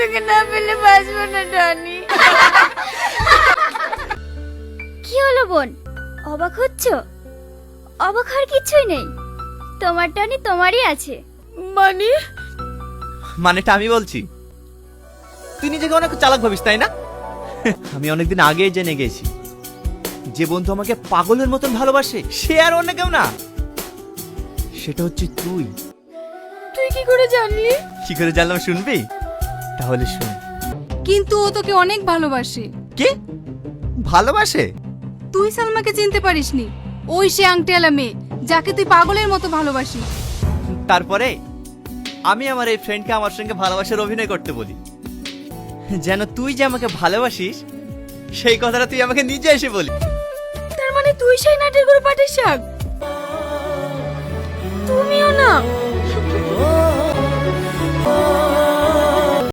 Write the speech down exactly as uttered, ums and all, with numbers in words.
তোকে না পেলে বাঁচবো না টনি। কি হলো বোন, অবাক হচ্ছ? অবাক হওয়ার কিছুই নেই, তোমার টনি তোমারই আছে। মানে মানেটা আমি বলছি। তুই নিজেকে অনেক চালাক ভাবিস তাই না? আমি অনেকদিন আগেই জেনে গেছি যে বন্ধু আমাকে পাগলের মতন ভালোবাসে সে আর অন্য কেউ না, সেটা হচ্ছে তুই। তুই কি করে জানলি? কি করে জানলাম শুনবি? তাহলে শুন। কিন্তু ও তোকে অনেক ভালোবাসে। কি ভালোবাসে? তুই সালমাকে চিনতে পারিসনি, ওই সে আংটিওয়ালা মেয়ে যাকে তুই পাগলের মতো ভালোবাসিস। তারপরে আমি আমার এই ফ্রেন্ডকে আমার সঙ্গে ভালোবাসার অভিনয় করতে বলি, যেন তুই যে আমাকে ভালোবাসিস সেই কথাটা তুই আমাকে নিজে এসে বলি। তার মানে তুই সেই নাটের গরু পাটির শাক? তুমিও না?